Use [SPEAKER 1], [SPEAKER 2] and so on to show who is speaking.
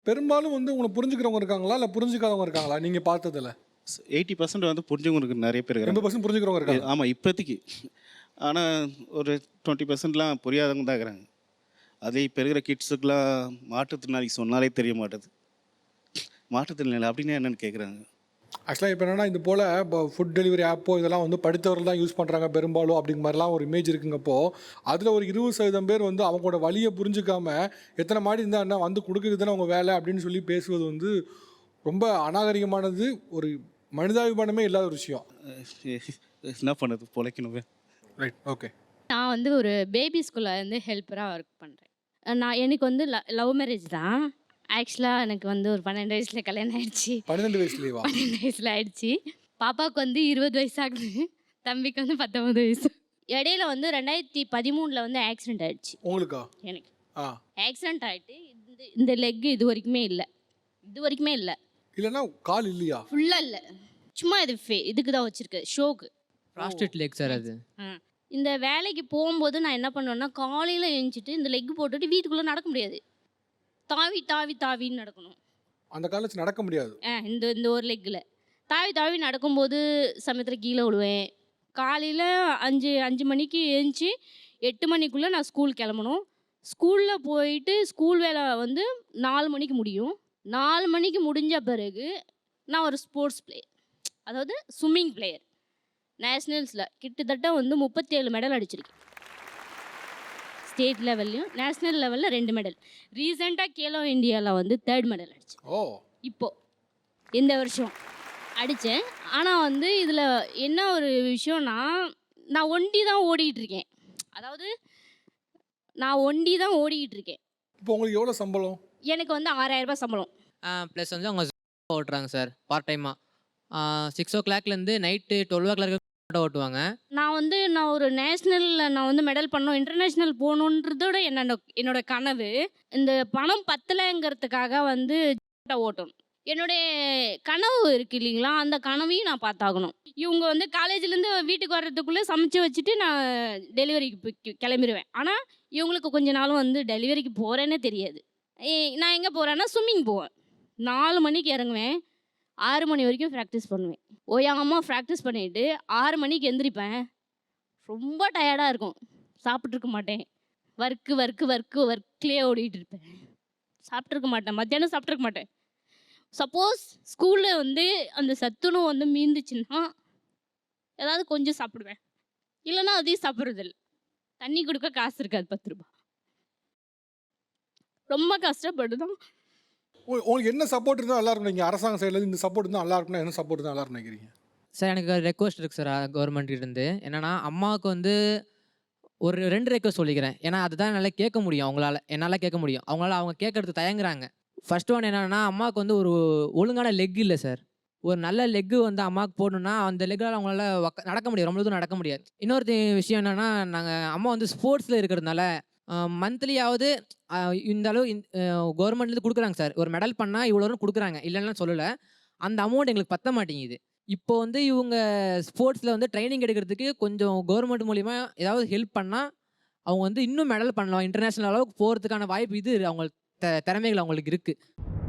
[SPEAKER 1] பெரும்பாலும் வந்து உங்கள புரிஞ்சுக்கிறவங்க இருக்காங்களா? இல்ல புரிஞ்சுக்காதவங்க இருக்காங்களா? நீங்க பார்த்ததுல?
[SPEAKER 2] 80% வந்து புரிஞ்சவங்களுக்கு நெறைய பேர் இருக்கிறாங்க.
[SPEAKER 1] 80% புரிஞ்சுக்கிறவங்க இருக்காங்க.
[SPEAKER 2] ஆமா, இப்போதைக்கு. ஆனா ஒரு 20%லாம் புரியாதவங்க தான் இருக்கிறாங்க. அதே இப்ப இருக்கிற கிட்ஸுக்குலாம் மாற்றுத்திறனாளிக்கு சொன்னாலே தெரிய மாட்டுது. மாற்றுத்திறனாளி அப்படின்னா என்னன்னு கேட்குறாங்க.
[SPEAKER 1] ஆக்சுவலா இப்ப என்னன்னா, இது போல ஃபுட் டெலிவரி ஆப்போ இதெல்லாம் வந்து படித்தவர்கள் தான் யூஸ் பண்றாங்க பெரும்பாலும் அப்படிங்கிற மாரிலாம் ஒரு இமேஜ் இருக்குங்கப்போ, அதுல ஒரு 20% பேர் வந்து அவங்களோட வலிய புரிஞ்சுக்காம, எத்தன மாடி இருந்தா என்ன வந்து குடுக்குறது தானே உங்க வேலை அப்படின்னு சொல்லி பேசுவது வந்து ரொம்ப அநாகரிகமானது. ஒரு மனிதாபிமானமே இல்லாத ஒரு விஷயம்.
[SPEAKER 2] என்ன பண்ணுறது? பொழைக்கணுமே.
[SPEAKER 1] ரைட். ஓகே.
[SPEAKER 3] நான் வந்து ஒரு பேபி ஸ்கூல்ல வந்து ஹெல்ப்பரா ஒர்க் பண்றேன். எனக்கு வந்து லவ் மேரேஜ் தான். ஆக்சுவலா எனக்கு வந்து ஒரு 12 வயசுல கல்யாணம் ஆயிடுச்சு.
[SPEAKER 1] 12 வயசுலயேவா?
[SPEAKER 3] 12 வயசுல ஆயிடுச்சு. பாப்பாவுக்கு வந்து 20 வயசு ஆகுது. தம்பிக்கு வந்து 19 வயசு. இடையில வந்து 2013ல வந்து ஆக்சிடென்ட் ஆயிடுச்சு
[SPEAKER 1] உங்களுக்கா?
[SPEAKER 3] எனக்கு.
[SPEAKER 1] ஆ.
[SPEAKER 3] ஆக்சிடென்ட் ஆயிட்டு இந்த லெக் இதுவரைக்குமே இல்ல. இதுவரைக்குமே இல்ல.
[SPEAKER 1] இல்லன்னா கால் இல்லையா?
[SPEAKER 3] ஃபுல்லா இல்ல. சும்மா இதுக்கு தான் வச்சிருக்கு. ஷோக்கு.
[SPEAKER 4] ப்ராஸ்டேட் லெக் சார் அது.
[SPEAKER 3] இந்த வேலைக்கு போகும்போது நான் என்ன பண்ணுவேன்னா, காலையில எழுந்திச்சிட்டு இந்த லெக் போட்டுட்டு வீட்டுக்குள்ள நடக்க முடியாது. தாவி தாவி தாவின்னு நடக்கணும்.
[SPEAKER 1] அந்த கால்ல வச்சு நடக்க முடியாது.
[SPEAKER 3] இந்த இந்த ஒரு லெக்கில் தாவி தாவி நடக்கும்போது சமயத்தில் கீழே விழுவேன். காலையில் 5 மணிக்கு எழுந்துச்சி 8 மணிக்குள்ளே நான் ஸ்கூல் கிளம்பணும். ஸ்கூலில் போயிட்டு ஸ்கூல் வேலை வந்து 4 மணிக்கு முடியும். 4 மணிக்கு முடிஞ்ச பிறகு நான் ஒரு ஸ்போர்ட்ஸ் பிளேயர், அதாவது ஸ்விம்மிங் பிளேயர். நேஷ்னல்ஸில் கிட்டத்தட்ட வந்து 37 மெடல் அடிச்சிருக்கேன். ஸ்டேட் லெவல்லையும் நேஷ்னல் லெவலில் 2 மெடல். ரீசெண்டாக கேலோ இந்தியாவில் வந்து 3rd மெடல் அடித்தேன்.
[SPEAKER 1] ஓ!
[SPEAKER 3] இப்போது இந்த வருஷம் அடித்தேன். ஆனால் வந்து இதில் என்ன ஒரு விஷயம்னா, நான் ஒண்டி தான் ஓடிக்கிட்டு இருக்கேன். அதாவது நான் ஒண்டி தான் ஓடிக்கிட்டு இருக்கேன்.
[SPEAKER 1] இப்போ உங்களுக்கு எவ்வளோ சம்பளம்?
[SPEAKER 3] எனக்கு வந்து 6000 ரூபாய் சம்பளம்.
[SPEAKER 4] ப்ளஸ் வந்து அவங்க ஓட்டுறாங்க சார் பார்ட் டைமாக. 6 o'clockலேருந்து நைட்டு 12 o'clock ஓட்டுவாங்க.
[SPEAKER 3] நான் ஒரு நேஷ்னலில் நான் வந்து மெடல் பண்ணோம், இன்டர்நேஷ்னல் போகணுன்றதோட என்னோட கனவு. இந்த பணம் பத்தலைங்கிறதுக்காக வந்து ஓட்டணும். என்னுடைய கனவு இருக்குது இல்லைங்களா, அந்த கனவையும் நான் பார்த்தாகணும். இவங்க வந்து காலேஜ்லேருந்து வீட்டுக்கு வர்றதுக்குள்ளே சமைச்சு வச்சுட்டு நான் டெலிவரிக்கு கிளம்பிடுவேன். ஆனால் இவங்களுக்கு கொஞ்ச நாளும் வந்து டெலிவரிக்கு போகிறேன்னே தெரியாது. நான் எங்கே போகிறேன்னா ஸ்விம்மிங் போவேன். 4 மணிக்கு இறங்குவேன், 6 மணி வரைக்கும் ப்ராக்டிஸ் பண்ணுவேன். ஓயாமல் ப்ராக்டிஸ் பண்ணிவிட்டு 6 மணிக்கு எந்திரிப்பேன். ரொம்ப டயர்டாக இருக்கும். சாப்பிட்ருக்க மாட்டேன். ஒர்க்லேயே ஓடிட்டு இருப்பேன். சாப்பிட்ருக்க மாட்டேன். மத்தியானம் சாப்பிட்ருக்க மாட்டேன். சப்போஸ் ஸ்கூலில் வந்து அந்த சத்துணவு வந்து மீந்துச்சுன்னா ஏதாவது கொஞ்சம் சாப்பிடுவேன். இல்லைன்னா அதையும் சாப்பிட்றதில்ல. தண்ணி கொடுக்க காசு இருக்காது, 10 ரூபா. ரொம்ப கஷ்டப்பட்டு தான்.
[SPEAKER 1] உங்களுக்கு என்ன சப்போர்ட் இருந்தால் நல்லா இருக்கும்? நீங்கள் அரசாங்க சைடில் இந்த சப்போர்ட் இருந்தால் நல்லா இருக்கும்னா என்ன சப்போர்ட் தான் நல்லா இருக்கும்னு நினைக்கிறீங்க?
[SPEAKER 4] சார் எனக்கு ரெக்வஸ்ட் இருக்குது சார் கவர்மெண்ட்கிட்டேருந்து. என்னென்னா அம்மாவுக்கு வந்து ஒரு 2 ரெக்வஸ்ட் சொல்லிக்கிறேன். ஏன்னா அதுதான் என்னால் கேட்க முடியும், என்னால் கேட்க முடியும். அவங்க கேட்கறதுக்கு தயங்குறாங்க. ஃபர்ஸ்ட் ஒன் என்னென்னா, அம்மாவுக்கு வந்து ஒரு ஒழுங்கான லெக் இல்லை சார். ஒரு நல்ல லெக்கு வந்து அம்மாவுக்கு போடணுன்னா அந்த லெக்கில் அவங்களால நடக்க முடியாது, ரொம்ப தூரம் நடக்க முடியாது. இன்னொரு விஷயம் என்னென்னா, அம்மா வந்து ஸ்போர்ட்ஸில் இருக்கிறதுனால மந்த்லியாவது இந்த அளவு கவர்மெண்ட்லேருந்து கொடுக்குறாங்க சார். ஒரு மெடல் பண்ணால் இவ்வளோன்னு கொடுக்குறாங்க, இல்லைன்னா சொல்லலை. அந்த அமௌண்ட் எங்களுக்கு பத்த மாட்டேங்குது. இப்போ வந்து இவங்க ஸ்போர்ட்ஸில் வந்து ட்ரைனிங் எடுக்கிறதுக்கு கொஞ்சம் கவர்மெண்ட் மூலிமா ஏதாவது ஹெல்ப் பண்ணால் அவங்க வந்து இன்னும் மெடல் பண்ணலாம். இன்டர்நேஷ்னல் அளவுக்கு போகிறதுக்கான வாய்ப்பு இது அவங்களுக்கு திறமைகள் அவங்களுக்கு இருக்குது.